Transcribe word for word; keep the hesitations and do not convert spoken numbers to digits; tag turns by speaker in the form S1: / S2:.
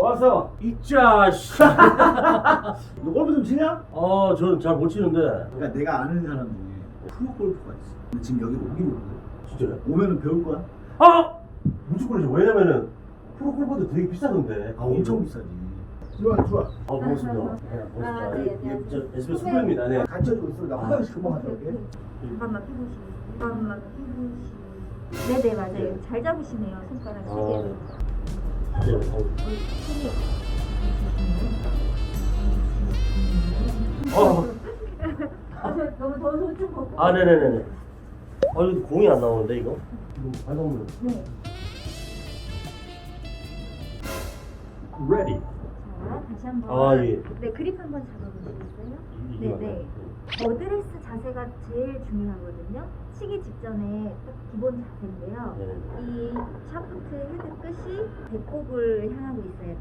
S1: 왔어.
S2: 이짜 씨.
S1: 너 골프 좀 치냐?
S2: 아, 저는 잘 못 치는데.
S1: 그러니까 내가 아는 사람 중에 프로 골프가 있어. 근데 지금 여기 오기로 오거든.
S2: 진짜요?
S1: 오면은 배울 거야?
S2: 아! 무조건이죠. 왜냐면은 프로 골퍼도 되게 비싸던데.
S1: 아 엄청 비싸지. 들어와 들어와.
S2: 아, 고맙습니다. 네, 고맙습니다.
S3: 아, 네,
S2: 예,
S3: 안녕하세요.
S2: 저 에스비에스 후배입니다. 네.
S1: 같이 해주고 있어. 나 화장실 금방 갔다 올게.
S3: 잠깐만 피부시. 잠깐만 피부시. 네네 맞아요. 잘 잡으시네요 손가락 세
S2: 아,
S3: 개를.
S2: 네. 네. 어. 어.
S3: 아, 저 너무 더워서 옷 좀 벗고.
S2: 아, 네네네네. 아, 이거 공이 안 나오는데, 이거? 이거 발광물.
S3: 네.
S2: Ready.
S3: 자 다시 한번.
S2: 아, 예.
S3: 네 그립 한번 잡아보시겠어요?
S2: 이- 이게
S3: 네네. 어드레스 자세가 제일 중요하거든요. 치기 직전에 딱 기본 자세인데요.
S2: 네네.
S3: 이 샤프트 헤드 끝이 배꼽을 향하고 있어야